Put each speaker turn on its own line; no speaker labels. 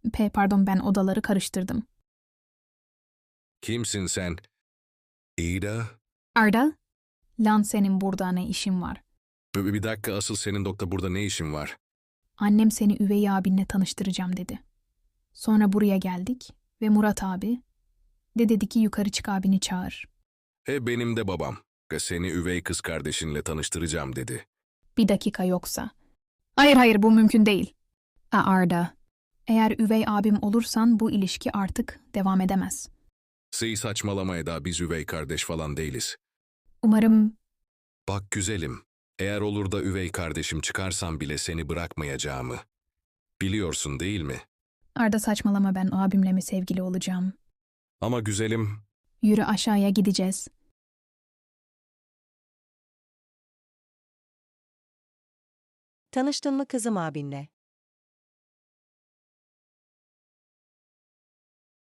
Pardon, ben odaları karıştırdım.
Kimsin sen? Ada?
Arda, lan senin burada ne işin var?
Bir dakika, asıl senin doktor burada ne işin var?
Annem seni üvey abinle tanıştıracağım dedi. Sonra buraya geldik ve Murat abi de dedi ki yukarı çık abini çağır.
Benim de babam. Seni üvey kız kardeşinle tanıştıracağım dedi.
Bir dakika yoksa. Hayır bu mümkün değil. Arda, eğer üvey abim olursan bu ilişki artık devam edemez.
Saçmalama Eda, biz üvey kardeş falan değiliz.
Umarım
Bak güzelim, eğer olur da üvey kardeşim çıkarsam bile seni bırakmayacağımı. Biliyorsun değil mi?
Arda saçmalama, ben abimle mi sevgili olacağım?
Ama güzelim,
Yürü aşağıya gideceğiz.
Tanıştın mı kızım abinle?